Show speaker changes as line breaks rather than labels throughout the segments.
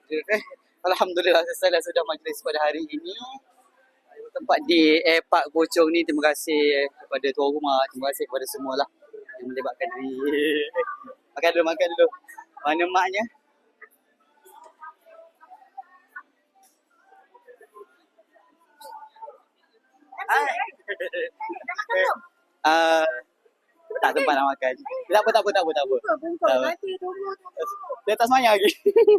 Alhamdulillah selesai dah sudah majlis pada hari ini. Tempat di Park Bojong ni, terima kasih kepada tuan rumah, terima kasih kepada semualah yang melibatkan diri. Makan dulu. Mana maknya? Tak tempat nak makan. Tak apa.
Nanti tunggu.
Dia tak semayang lagi.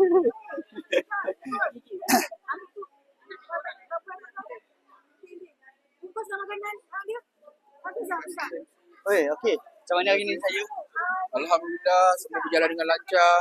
Bungkus sama makanan dia.
Oi, okey. Macam mana hari ni saya?
Alhamdulillah, semua berjalan dengan lancar.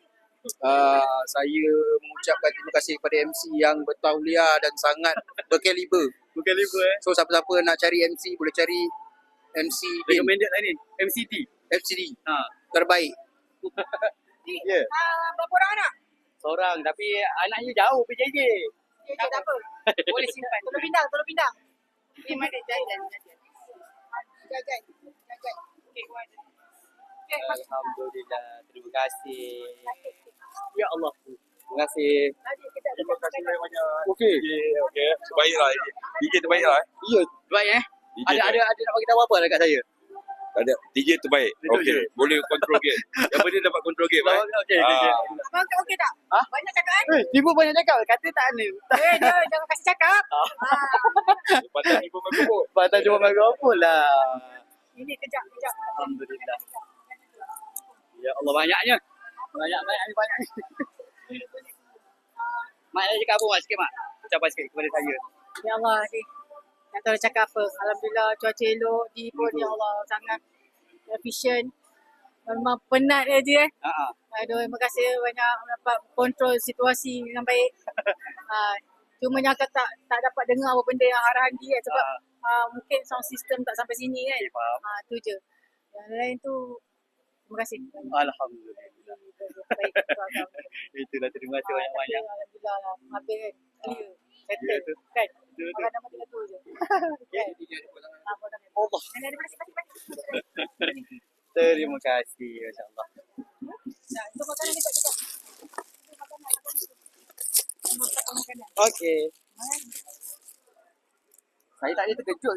Saya mengucapkan terima kasih kepada MC yang bertauliah dan sangat berkaliber. So siapa-siapa nak cari MC boleh cari MC Din.
Recommended lah ni. MCT.
FCD. Terbaik.
Ya.
Berapa orang anak?
Seorang tapi anaknya jauh PJJ.
Tak apa. Boleh simpan. Tolong pindah. Ni mana jalan. Jajan. Okey,
Alhamdulillah. Terima kasih. Ya Allah. Terima kasih.
Terima kasih banyak. Okey. Terbaiklah. DJ terbaiklah.
Ya, baik Ada nak bagi tahu apa dekat saya?
Ada DJ terbaik. Okey. Boleh control game. Yang penting dapat control game.
Okey.
Abang okey tak? Banyak cakap kan?
Ibu banyak cakap. Kata tak ni.
Dia jangan kasih cakap.
Patah ibu mengebut.
Patah cuma bagi apa lah.
Ini kejap.
Alhamdulillah. Ya Allah, banyaknya. Banyak ni. Mak nak cakap apa Mak? Sikit Mak. Ucapan sikit kepada saya.
Ya Allah ni. Tak tahu nak cakap apa. Alhamdulillah cuaca elok. Di pun ya Allah sangat efisien. Memang penat je Aduh, terima kasih banyak dapat kontrol situasi dengan baik. Cuma yang tak dapat dengar apa benda yang arahan dia sebab mungkin sound system tak sampai sini kan. Tu je. Yang lain tu terima kasih.
Alhamdulillah.
Baik.
Itulah, terima kasih banyak-banyak.
Alhamdulillah. Habis kan. Clear. Settle. Kan? Makan nama tinggal tu je.
Allah. Terima kasih. Masya-Allah.
Itu makanan dekat kita.
Okey. Saya tak ada terkejut.